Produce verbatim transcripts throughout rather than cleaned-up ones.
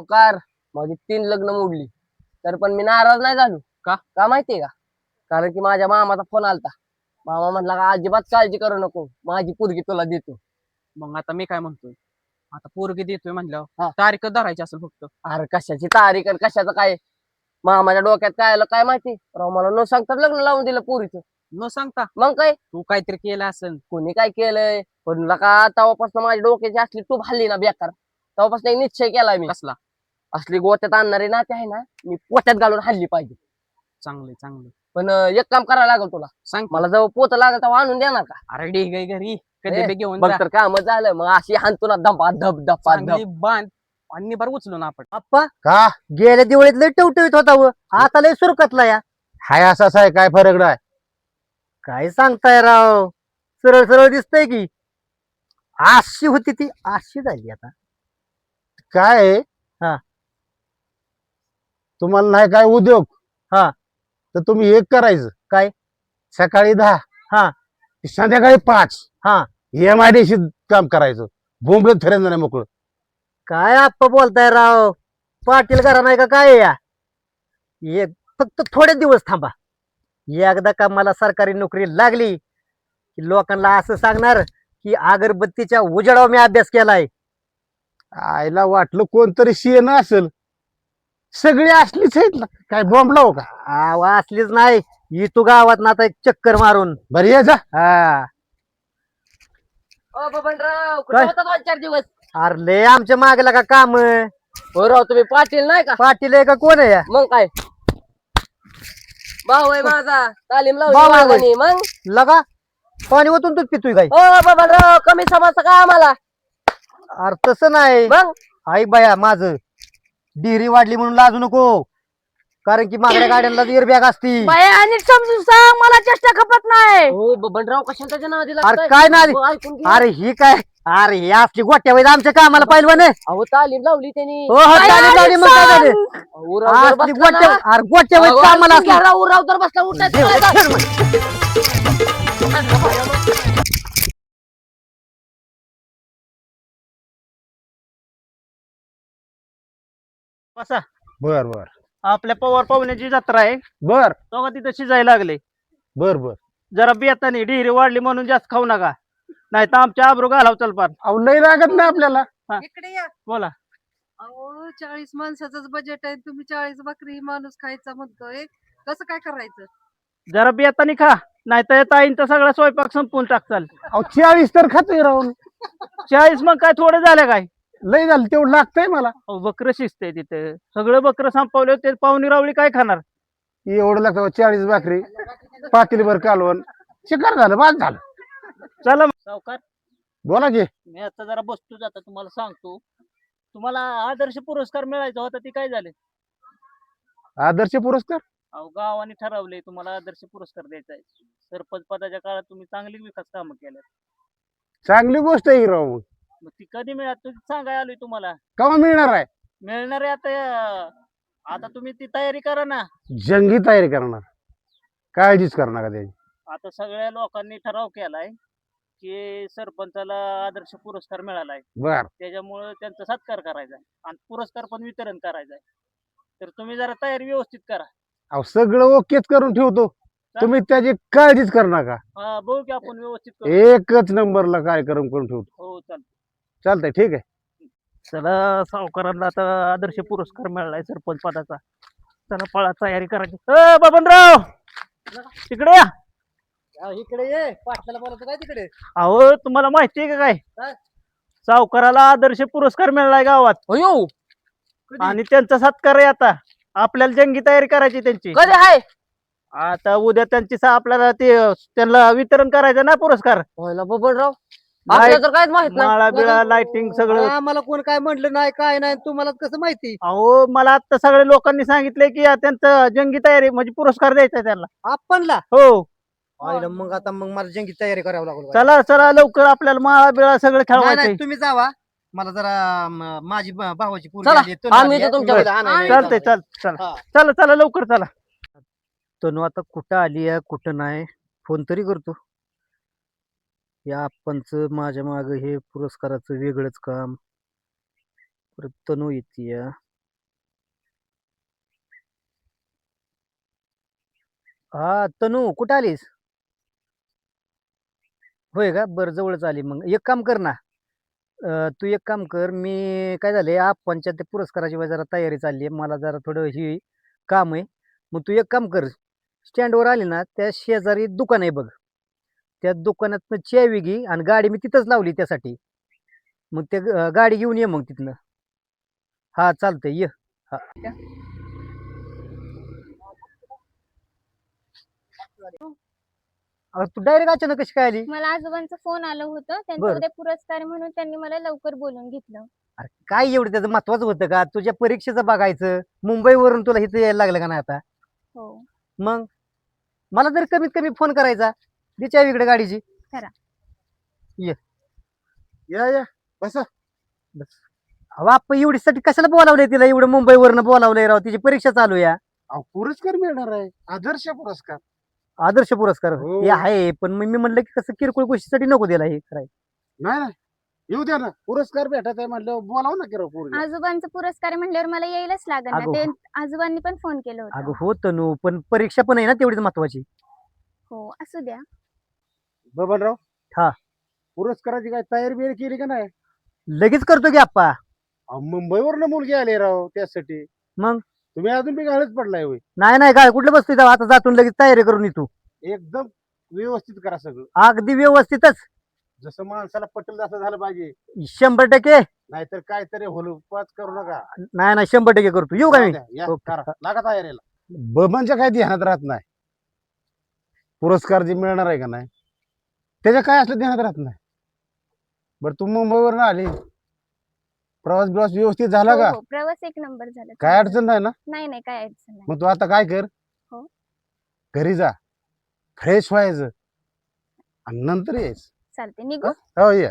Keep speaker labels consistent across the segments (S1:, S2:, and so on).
S1: सावकार, माझी तीन लग्न मोडली तर पण मी नाराज नाही झालो.
S2: का?
S1: का माहितीये का? कारण की माझ्या मामाचा फोन आलता. मामा म्हटला का अजिबात काळजी करू नको, माझी पोरगी तुला देतो.
S2: मग आता मी काय म्हणतोय, आता पोरगी देतोय
S1: हा.
S2: म्हणल्यावर तारीख धरायची असेल फक्त.
S1: अरे कशाची तारीख आणि कशाचं काय? मामाच्या डोक्यात काय आलं काय माहिती, राव मला न सांगता लग्न लावून दिलं पोरीचं.
S2: न सांगता
S1: मग काय,
S2: तू काहीतरी केलं असेल.
S1: कोणी काय केलंय पण का तेव्हापासून माझ्या डोक्याची असली तूप हल्ली ना बेकार, तेव्हापासून एक निश्चय केलाय मी.
S2: कसला?
S1: असली गोत्यात आणणारी नाते आहे ना, मी पोत्यात घालून हल्ली पाहिजे.
S2: चांगले चांगले.
S1: पण अं, एक काम करायला लागल तुला.
S2: सांग की.
S1: मला जवळ पोत लागल तेव्हा आणून देणार का?
S2: अरे ढीग आहे घरी, कधी
S1: ए,
S2: बी घेऊन
S1: बघ
S2: जा.
S1: तर काम झालं मग अशी हाणतो ना धपा धप धपा
S2: चांगली
S1: धप.
S2: बांध आणि भर उचलू ना आपण.
S3: आप्पा
S4: का
S3: गेल्या दिवाळीत लय टवटवीत होता व आता लय सुरकतला या.
S4: हाय असाच आहे, काय फरक नाही.
S3: काय सांगताय राव, सरळ सरळ दिसतंय की. अशी होती ती अशी झाली आता.
S4: काय आहे?
S3: हा.
S4: तुम्हाला नाही काय उद्योग?
S3: हा.
S4: तर तुम्ही एक करायचं.
S3: काय?
S4: सकाळी दहा
S3: हा.
S4: ते संध्याकाळी पाच
S3: हा.
S4: एम आय डी सी काम करायचं. बोंबलत फिरायचं नाही मोकळं.
S3: काय आप्पा बोलताय राव, पाटील घरा नाही का काय या? एक फक्त थोडे दिवस थांबा, एकदा का मला सरकारी नोकरी लागली की लोकांना असं सांगणार की अगरबत्तीच्या उजेडावर मी अभ्यास केलाय.
S4: आईला वाटलं कोणतरी सीएन असेल, सगळी असलीच आहेत ना. काय बॉम्ब लावू का?
S3: आवा असलीच नाही, ही तू गावात ना आता एक चक्कर मारून.
S4: बरं ये जा.
S3: हा.
S1: ओ बबनराव, कुठे
S3: काय?
S1: होता दोन चार दिवस?
S3: अरे लय आमच्या मागला का काम.
S1: हो राव, तुम्ही पाटील नाही का?
S3: पाटील आहे का कोण आहे या?
S1: मग काय, भाऊ आहे माझा, तालीम
S3: भाऊ आहे होय.
S1: लावली मग.
S3: लगा पाणी ओतून तूच पितोय काय?
S1: हो बबनराव, कमी समजतं का आम्हाला?
S3: अरे तसं नाही.
S1: मग
S3: ऐक बाया, माझं डिरी वाढली म्हणून लाजू नको, कारण की मागल्या गाड्यांना एअरबॅग असती.
S5: बाया नीट समजून सांग, मला चेष्टा खपत नाही.
S1: हो बबनराव, कशाला त्याच्या नादी
S3: अरे
S1: लागताय?
S3: काय नादी?
S1: हो, ऐकून घे.
S3: अरे ही काय, अरे ही असली गोट्या वैद आमच्या कामाला पाहिलं म्हणे.
S1: अहो तालीम लावली त्यांनी.
S3: हो हो,
S5: बाया,
S3: चालेल चालेल, मग काय झालं?
S1: अहो, राव जर
S3: असली
S1: बसला
S3: गोट्या,
S1: ना,
S3: अरे गोट्या वैद
S1: अहो,
S3: कामाला
S1: ऐकून घ्या,
S3: असली.
S1: राव राव जर बसला उठायचं
S3: देव,
S1: नाही का?
S3: खेळ मग.
S2: बसा.
S4: बर बर
S2: आपल्या पवार पाहुण्याची जत्रा आहे,
S4: बर
S2: तो का तिथं शिजायला लागले.
S4: बर बर
S2: जरा बेतानी डिहिरी वाढली म्हणून जास्त खाऊ नका, नाही तर आमच्या आबरू घालाव चल पार.
S4: अहो लय लागत नाही आपल्याला.
S5: इकडे या.
S2: बोला.
S5: अहो चाळीस माणसाचंच बजेट आहे, तुम्ही चाळीस बकरी माणूस खायचा म्हणतोय, कसं काय करायचं?
S2: जरा बेतानी खा, नाही तर ताईंचा सगळा स्वयंपाक संपून टाकचाल.
S4: अहो चाळीस तर खातोय राहून.
S2: चाळीस मग काय थोडं झालं काय?
S4: लय झालं तेवढं लागतंय मला.
S2: अहो बकरं शिजते तिथे, सगळं बकरं संपवले ते पाहुणी रावळी काय खाणार?
S4: एवढं लागतं चाळीस भाकरी, पातेली भर कालवण, शिकार झालं, बाद झालं.
S2: चला सावकार,
S4: बोला की.
S2: मी आता जरा बसतो, जाता तुम्हाला सांगतो. तुम्हाला आदर्श पुरस्कार मिळायचा होता, ते काय झाले?
S4: आदर्श पुरस्कार?
S2: अहो गावाने ठरवले तुम्हाला आदर्श पुरस्कार द्यायचा आहे. सरपंच पदाच्या काळात तुम्ही चांगली विकास कामं केल्यात.
S4: चांगली गोष्ट आहे की राव. मग
S2: मग ती कधी मिळाल तुम्ही सांगाय आलोय तुम्हाला.
S4: केव्हा मिळणार आहे?
S2: मिळणार आहे आता. अं, आता तुम्ही ती तयारी करा ना.
S4: जंगी तयारी करणार, काळजीच करणार का त्याची.
S2: आता सगळ्या लोकांनी ठराव केलाय की सरपंचाला आदर्श पुरस्कार मिळालाय,
S4: बर
S2: त्याच्यामुळे त्यांचा सत्कार करायचा आहे आणि पुरस्कार पण वितरण करायचं आहे. तर तुम्ही जरा तयारी व्यवस्थित करा.
S4: अहो सगळं ओकेच करून ठेवतो, तुम्ही त्याची काळजीच करणार का?
S2: हा, बघू की आपण व्यवस्थित करू.
S4: एकच नंबरला कार्यक्रम करून ठेवतो.
S2: हो चालतं.
S4: चालतंय, ठीक आहे.
S2: चला, सावकारांना आता आदर्श पुरस्कार मिळालाय सरपंच पदाचा. चला पळा, तयारी करायची. अ बबनराव, तिकडे या.
S3: इकडे ये, पाटलाला बोलतो काय तिकडे?
S2: अहो तुम्हाला माहिती आहे का काय,
S3: काय?
S2: सावकाराला आदर्श पुरस्कार मिळालाय गावात
S1: अयो,
S2: आणि त्यांचा सत्कार आहे. आता आपल्याला जंगी तयारी करायची त्यांची.
S1: कधी आहे?
S2: आता उद्या त्यांची सा- आपल्याला ते त्यांना वितरण करायचं ना पुरस्कार.
S1: व्हायला बबनराव, आपल्याला तर काहीच माहित नाही.
S2: माळा बिळा लाइटिंग सगळं.
S3: आम्हाला कोण काय म्हणलं नाही, काय नाही, तुम्हाला कसं माहिती?
S2: अहो मला आता सगळ्या लोकांनी सांगितलंय की या त्यांचं जंगी तयारी म्हणजे पुरस्कार द्यायचा आहे त्यांना.
S3: आपणला
S2: हो,
S3: आईला मग आता मग मला जंगी तयारी करावी लागेल.
S2: चला चला लवकर, आपल्याला माळा बिळा सगळं
S3: नाही
S2: खेळवायचंय.
S3: नाही, तुम्ही जावा, मला जरा म- माझी भ- भावाची पोरगी
S1: चला,
S3: आली आहे, तनू
S1: आम्ही
S3: आली
S1: येतो
S3: आहे.
S1: तुमच्याकडे आणायला.
S2: चालतंय, चाल चला
S3: हा.
S2: चला चला लवकर चला.
S3: तनू आता कुठं आली आहे कुठं नाही, फोन तरी करतो. या आपणच माझ्या माग हे पुरस्काराचं वेगळंच काम. परत तनू येते. हा तनू कुठं आलीस? होय का, बरं जवळच आली. मग एक काम कर ना, अं, तू एक काम कर, मी काय झाले आपणच्या ते पुरस्काराची वगैरे जरा तयारी चालली आहे, मला जरा थोडं ही काम आहे. मग तू एक काम कर, स्टँडवर आली ना त्या शेजारी दुकान आहे बघ, त्या दुकानातनं चावी घे आणि गाडी मी तिथंच लावली त्यासाठी. मग ते ग- गाडी घेऊन ये मग तिथनं. हा चालतंय ये. हा. अरे तू डायरेक्ट अचानक कशी काय आली?
S6: मला आजोबांचा फोन आलं होतं, त्यांचा
S3: बरं.
S6: उद्या पुरस्कार आहे म्हणून त्यांनी मला लवकर बोलून घेतलं.
S3: अरे काय एवढं त्याचं महत्वाचं होतं का? तुझ्या परीक्षेचं बघायचं, मुंबईवरून तुला इथं यायला लागलं का नाही आता?
S6: हो.
S3: मग मला तरी कमीत कमी फोन करायचा, दे चावी इकडे गाडीची.
S4: या या बसा.
S3: अहो आपण एवढीसाठी कशाला बोलावलंय तिला, एवढं मुंबईवरनं बोलावलंय राव, तिची परीक्षा चालू आहे.
S4: अहो, पुरस्कार मिळणार आहे, आदर्श पुरस्कार.
S3: आदर्श पुरस्कार
S4: हो.
S3: ते आहे, पण मग मी म्हणलं की कसं किरकोळ गोष्टीसाठी नको दिला हे करायचं.
S4: नाही नाही येऊ द्या ना, पुरस्कार भेटत आहे म्हटलं बोलाव ना किंवा पोरी.
S6: आजोबांचा पुरस्कार आहे म्हणल्यावर मला यायलाच लागेल ना.
S3: अगो.
S6: ते आजोबांनी पण फोन केलं
S3: अगं
S6: होतं.
S3: हो तनू, पण परीक्षा पण आहे ना तेवढीच महत्वाची.
S6: हो असू द्या.
S4: बबनराव.
S3: हा.
S4: पुरस्काराची काय तयारी बियारी केली का नाही?
S3: लगेच करतो की आप्पा.
S4: अहो, मुंबईवरनं मुलगी आली राव त्यासाठी.
S3: मग?
S4: तुम्ही अजून बी गाळच पडलाय होय.
S3: नाही नाही काय कुठलं बसतोय तेव्हा, आता जातून लगेच तयारी करून येतो.
S4: एकदम व्यवस्थित करा सगळं,
S3: अगदी व्यवस्थितच,
S4: जसं माणसाला पटेल तसं झालं पाहिजे.
S3: शंभर टक्के.
S4: नाहीतर काहीतरी होलपाच करू नका.
S3: नाही नाही शंभर टक्के करतो. येऊ का मी?
S4: या,
S3: ओके.
S4: करा, लागा तयारीला. बबनच्या काय ध्यानात राहत नाही, पुरस्कार जे मिळणार आहे का नाही त्याच्या काय असलं ध्यानात राहत नाही. बरं तू मुंबईवर आली, प्रवास बिवास व्यवस्थित झाला
S6: हो,
S3: का?
S6: हो, प्रवास एक नंबर झाला.
S3: काय अडचण नाही ना?
S6: नाही नाही काय अडचण नाही.
S3: मग तू आता काय कर,
S6: हो.
S3: घरी जा, फ्रेश व्हायचं आणि नंतर यायचं.
S6: चालते निघू.
S3: हो ये.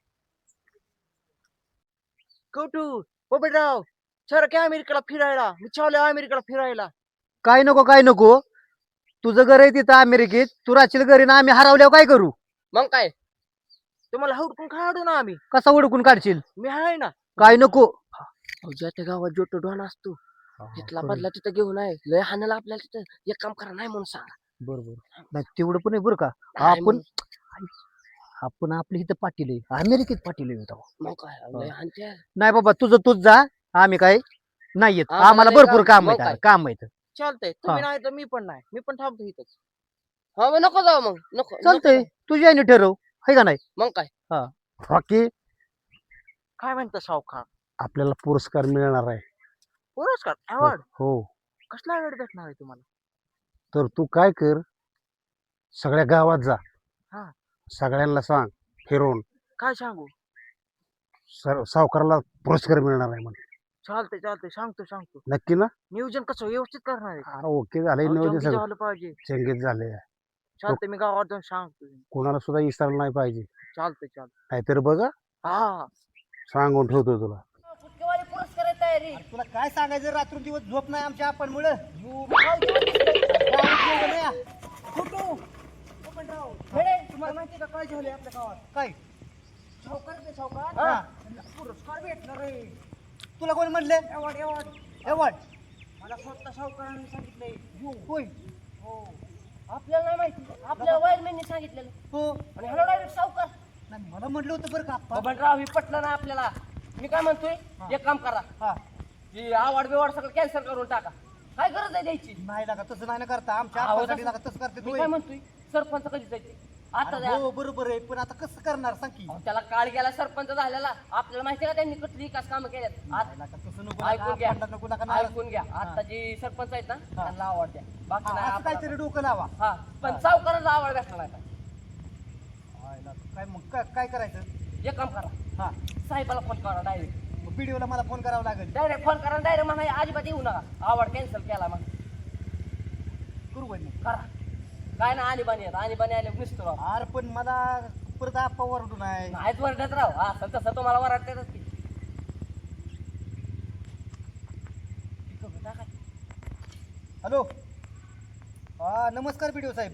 S1: कौटू बबनराव सर काय अमेरिकेला फिरायला, मी चाललोय अमेरिकेला फिरायला.
S3: काय नको काय नको, तुझं घर आहे तिथं अमेरिकेत, तू राहशील घरी ना, आम्ही हरवल्यावर काय करू?
S1: मग काय तुम्हाला हुडकून काढू ना आम्ही,
S3: कसा ओळखून काढशील?
S1: मी आहे ना.
S3: काय नको.
S1: अहो, ज्या त्या गावात जोटो डॉन असतो तिथला बदला तिथं घेऊन आहे, लय हाणाला आपल्याला तिथं. एक काम करा नाही म्हणून सांगा.
S3: बरोबर नाही तेवढं पण आहे बरं का.
S1: नाही
S3: आपण
S1: म्हणून.
S3: आपण आपल्या इथं पाटील आहे, अमेरिकेत पाटील आहे होता.
S1: मग काय लय हाणत्या.
S3: नाही बाबा तुझं तूच जा, आम्ही काय नाही येत,
S1: आम्हाला
S3: आम्हाला
S1: लय
S3: भरपूर
S1: काम-
S3: काम
S1: मग
S3: आहे
S1: काय?
S3: काम आहे.
S1: चालतंय,
S3: हा.
S1: तुम्ही नाही तर मी पण नाही, मी पण थांबतो इथंच. हा मग नको जाऊ, मग नको
S3: चालतंय,
S1: नको.
S3: तुझी आईने ठरव, आहे का नाही?
S1: मग काय
S4: बाकी
S1: काय म्हणता सावकार?
S4: आपल्याला पुरस्कार मिळणार आहे.
S1: पुरस्कार अवॉर्ड
S4: हो,
S1: कसला अवॉर्ड भेटणार आहे तुम्हाला?
S4: तर तू काय कर, सगळ्या गावात जा,
S1: हा.
S4: सगळ्यांना सांग फिरवून,
S1: काय सांगू?
S4: सर सावकाराला पुरस्कार मिळणार आहे म्हणजे.
S1: चालतंय चालतंय, सांगतो सांगतो.
S4: नक्की ना?
S1: नियोजन कसं व्यवस्थित करणार आहे?
S4: अरे ओके झालंय,
S1: अहो,
S4: नियोजन
S1: जंगी
S4: सगळं
S1: झालं पाहिजे.
S4: चंगीत झाले.
S1: चालतंय, मी गावात जाऊन सांगतो.
S4: कोणाला सुद्धा विसरलं नाही पाहिजे,
S1: चालतंय चालतंय.
S4: नाहीतर बघा
S1: हा
S4: सांगून ठेवतो तुला.
S1: पुरस्कार आहे तयारी.
S3: तुला काय सांगायचं, रात्र दिवस झोप नाही आमच्या आपण मुळे.
S1: तुम्हाला माहिती का काय झाले आपल्या गावात?
S3: काय
S1: सावकार ते सावकार
S3: हा.
S1: पुरस्कार भेटणार आहे.
S3: तुला कोणी म्हणले?
S1: एवढ एवढ
S3: एवढ
S1: मला स्वतः सावकारांनी सांगितलंय.
S3: होय.
S1: हो आपल्याला नाही माहिती, आपल्या वायरमॅननी सांगितलेलं.
S3: हो
S1: आणि हॅलो डायरेक्ट सावकार.
S3: नाही, मला म्हटलं होतं बरं का आप्पा.
S1: बबनराव हे पटलं ना आपल्याला. मी काय म्हणतोय, एक काम करा,
S3: हा.
S1: ही आवड बिवाड सगळं कॅन्सल करून टाका. काय गरज आहे द्यायची?
S3: नाही लागा तसं नाही ना करता, आमच्या
S1: अहो,
S3: आप्पासाठी
S1: तसं-
S3: लागा तसं करते
S1: मी
S3: तू.
S1: काय म्हणतोय, सरपंच कधी जायचे आता द्या.
S3: हो बरोबर आहे, पण आता कसं करणार सांग की?
S1: अहो, त्याला काळ गेला सरपंच झालेला. आपल्याला माहिती का त्यांनी कसली विकास कामं केल्यात. आत-
S3: नाही लागा, तसं नको
S1: ऐकून
S3: लागा,
S1: घ्या,
S3: भांडण नको लागा, नाराज-
S1: ऐकून घ्या. आता जी सरपंच आहेत ना त्यांना आवड द्या, बाकी
S3: हा,
S1: नाही
S3: असं
S1: आपल्याला.
S3: काहीतरी डोकं लावा.
S1: हा पण सावकाराचा आवड भेटला नाही.
S3: हाय लागा, काय मग काय- काय करायचं?
S1: एक काम करा,
S3: हा,
S1: साहेबाला फोन करा डायरेक्ट.
S3: व्हिडिओला मला फोन करावा लागेल.
S1: डायरेक्ट फोन करा, डायरेक्ट म्हणा अजिबात येऊ नका, आवड कॅन्सल केला मग.
S3: करू बाई मग.
S1: करा काय ना, आणि बाणी आणि बाणी आले नुसतं राव.
S3: अरे पण मला परत आप्पा ओरडू नाही.
S1: नाहीच वरडत राव, असं तसं तुम्हाला वरडतातच की.
S3: हॅलो, हा नमस्कार व्हिडिओ साहेब.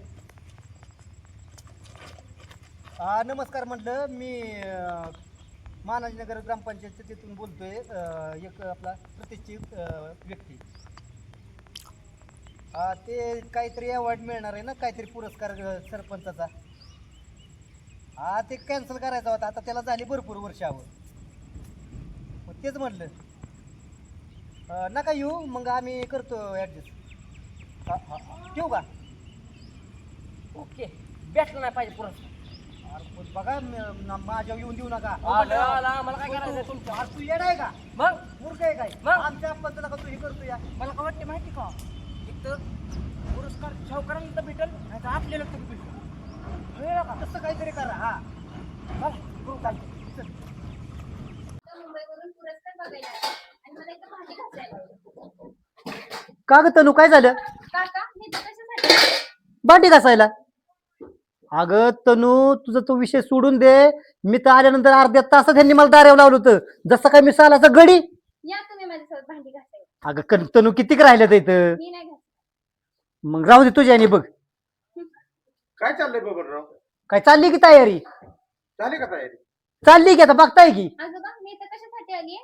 S3: हा नमस्कार, म्हटलं मी अं, महाराजनगर ग्रामपंचायत तिथून बोलतोय. अं, एक आपला प्रतिष्ठित अं, व्यक्ती. हा ते काहीतरी अवॉर्ड मिळणार आहे ना, काहीतरी पुरस्कार अ, सरपंचाचा. हा ते कॅन्सल करायचा होता, आता त्याला झाली भरपूर वर्ष हवं. मग तेच म्हटलं अ, नका येऊ, मग आम्ही करतो ॲडजस्ट. हा हा ठेवू का?
S1: ओके भेटलं नाही पाहिजे पुरस्कार.
S3: अरे पण बघा म- न- माझ्यावर येऊन देऊ नका.
S1: आलं, आलं, आम्हाला काय करायचं तुमचं?
S3: अरे तू येड आहे का?
S1: मग
S3: मूर्ख आहे काय?
S1: मग?
S3: आमच्या आपण नका तू हे करतो या.
S1: मला काय वाटते माहिती का इथं पुरस्कार सावकारांना तर भेटल नाही तर आपल्याला तरी भेटल. कळलं का?
S3: तसं काहीतरी करा. हा
S1: चला, करू चालतं.
S3: चल.
S6: मुंबईवरून पुरस्कार बघायला आले. आणि मला इथं भांडी घासायला लावली.
S3: का ग तनू, काय झालं?
S6: काका मी इथं कशासाठी आले?
S3: भांडी घासायला? अगं तनू, तुझा तो विषय सोडून दे. मी तर आल्यानंतर अर्ध्या तासात त्यांनी मला दारावर लावलं होतं, जसं काय मी सालाचा गडी.
S6: या तुम्ही माझ्यासोबत भांडी घासायला.
S3: अगं कन- तनू कितीक राहिल्यात इथं?
S6: मी नाही घासत.
S3: मग राहू दे तुझ्या आणि बघ.
S4: काय चाललंय बबनराव?
S3: काय चालली की तयारी?
S4: झाली का तयारी?
S3: चालली की आता बघताय की.
S6: आजोबा मी इथं कशासाठी आली?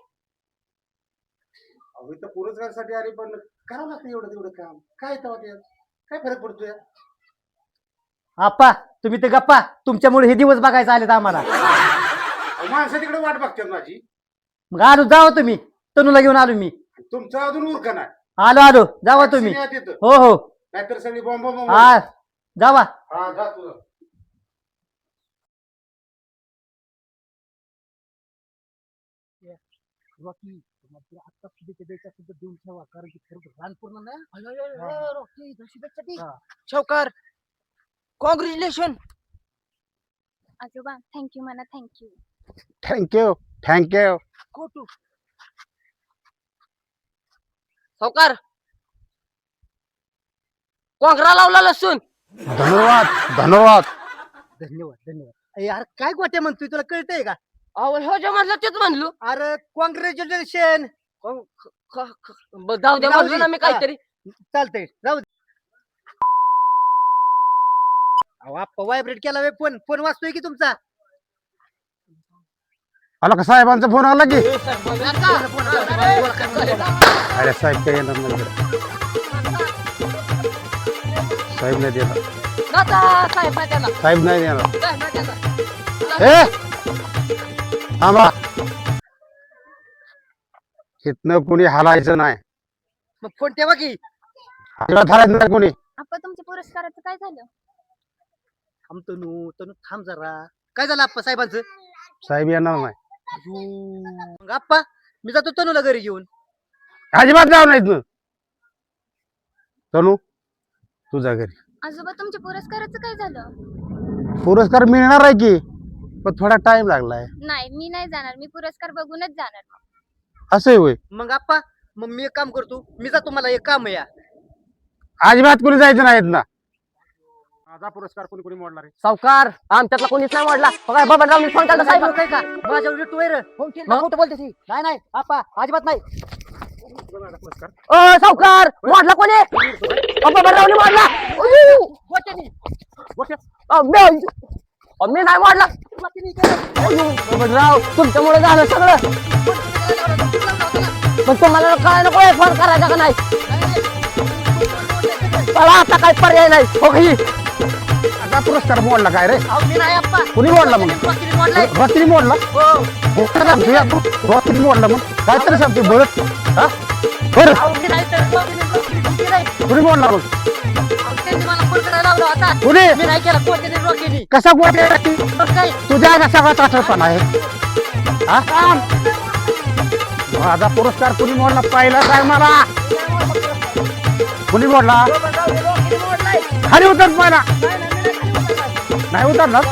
S4: अहो इथं पुरस्कारासाठी आली, पण करावं लागतं एवढं तेवढं काम. काय तेव्हा ते काय फरक पडतोय?
S3: आप्पा तुम्ही ते गप्पा, तुमच्यामुळे हे दिवस बघायचे आलेत आम्हाला.
S4: अहो, माणसं तिकडे वाट बघतात माझी.
S3: मग आलो, जावा तुम्ही. तनूला घेऊन आलो मी.
S4: तुमचं अजून उरका नाही.
S3: आलो आलो, जावा तुम्ही.
S4: तिथं
S3: हो हो,
S4: नाहीतर सगळी बॉम्ब बॉम्ब.
S3: हा जावा.
S4: हा जा तुझं.
S3: आता शुभेच्छा द्यायच्या सुद्धा देऊन ठेवा, कारण की खरं रान पूर्ण नाही.
S1: सावकार कॉंग्रॅच्युलेशन.
S6: आजोबा थँक्यू म्हणा, थँक्यू.
S4: Thank you thank you.
S1: खोटू सावकार कोंगरा लावला लसूण.
S4: धन्यवाद धन्यवाद.
S3: धन्यवाद धन्यवाद. अरे यार काय गोट्या म्हणतोय, तुला कळतंय का?
S1: अहो हो जे म्हणलं तेच म्हणलो.
S3: अरे कॉंग्रॅच्युलेशन.
S1: क- क- क- ब- जाऊ दे
S3: जाऊ
S1: म्हणलो
S3: दे.
S1: ना मी काहीतरी.
S3: चालतंय, जाऊ दे. अहो आप्पा व्हायब्रेट केला वे फोन. फोन वाजतोय की तुमचा?
S4: आला का साहेबांचा फोन आला की? अरे साहेब काय येणार नाही इकडे. साहेब नाही देणार.
S1: दादा साहेब आहे त्याला.
S4: साहेब नाही देणार.
S1: साहेब आहे त्याला.
S4: ए थांबा. इथनं कोणी हालायचं नाही.
S3: मग फोन ठेवा की.
S4: अजिबात हालायचं नाही कोणी.
S6: आप्पा तुमच्या पुरस्काराचं काय झालं?
S3: थांब तनू, तनू थांब जरा. काय झालं आप्पा साहेबांचं?
S4: साहेब येणार नाही.
S3: मग आप्पा मी जातो तनूला घरी घेऊन.
S4: अजिबात जाऊ नाही इथनं. तनू तुझ्या घरी.
S6: आजोबा तुमच्या पुरस्काराचं काय झालं?
S4: पुरस्कार मिळणार आहे की, पण थोडा टाइम लागलाय.
S6: नाही मी नाही जाणार, मी पुरस्कार बघूनच जाणार.
S4: असं होय.
S3: मग आप्पा मग मी एक काम करतो, मी जातो, मला एक काम आहे या.
S4: अजिबात कोणी जायचं नाही ना. माझा पुरस्कार कोणी कोणी मोडणार आहे?
S1: सावकार आमच्यातला कोणीच नाही वाढला. बघा बबनराव फोन केला साहेब.
S3: काय का माझ्या उलट वैर खोटं बोलते ती. नाही नाही आप्पा अजिबात नाही.
S1: अ सावकार वाढला कोणी? अ, बबनरावने वाढला. अयो,
S3: गोट्यानी.
S1: अ, मी अ, मी नाही वाढला. अयो, बबनराव तुमच्यामुळे झालं सगळं. पण तुम्हाला काय नको फोन करायचा का नाही? मला आता काय पर्याय नाही. हो की
S4: आता पुरस्कार मोडला काय रे?
S3: अहो, मी नाही आप्पा.
S4: कुणी मोडला मग?
S3: वकिली मोडलाय.
S4: रात्री मोडला.
S3: हो.
S4: रात्री मोडला मग काय तरी सांगते बरं. हा बरं
S3: अहो, मी नाही तर वकिली- वकिली तुमची नाही.
S4: कुणी मोडला मग?
S3: अहो, त्यांनी मला फोन करायला लावला होता.
S4: कुणी
S3: मी नाही केला. कोणत्याने वकिली.
S4: कसा गोट्या
S3: मग काय?
S4: तुझ्या का सगळा ताठरपणा आहे? हा? माझा पुरस्कार कुणी मोडला पहिला सांग मला. कुणी मोडला? खाली उतर पहिला. नाही उतरणार.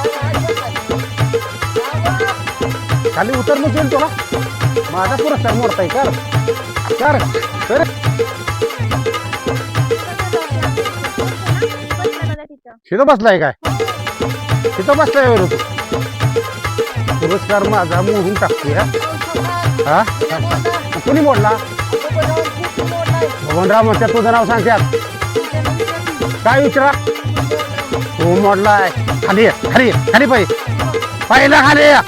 S4: खाली उतर मग येईल तुला. माझा पुरस्कार मोडताय कर कर कर.
S6: बघा तिथं.
S4: तिथं बसलाय काय? तिथं बसलाय वर तू. पुरस्कार माझा मोडून टाकतोय हा? हा कुणी मोडला? भगवानराव म्हणतात तुझं नाव सांगतात. काय विचारा? हो मोडलाय. खाली ये, खाली ये, खाली पाहिजे पहिला खाली ये.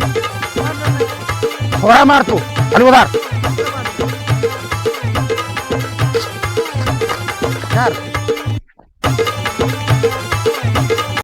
S4: थोडा मार तू खाली उधार.
S3: येणार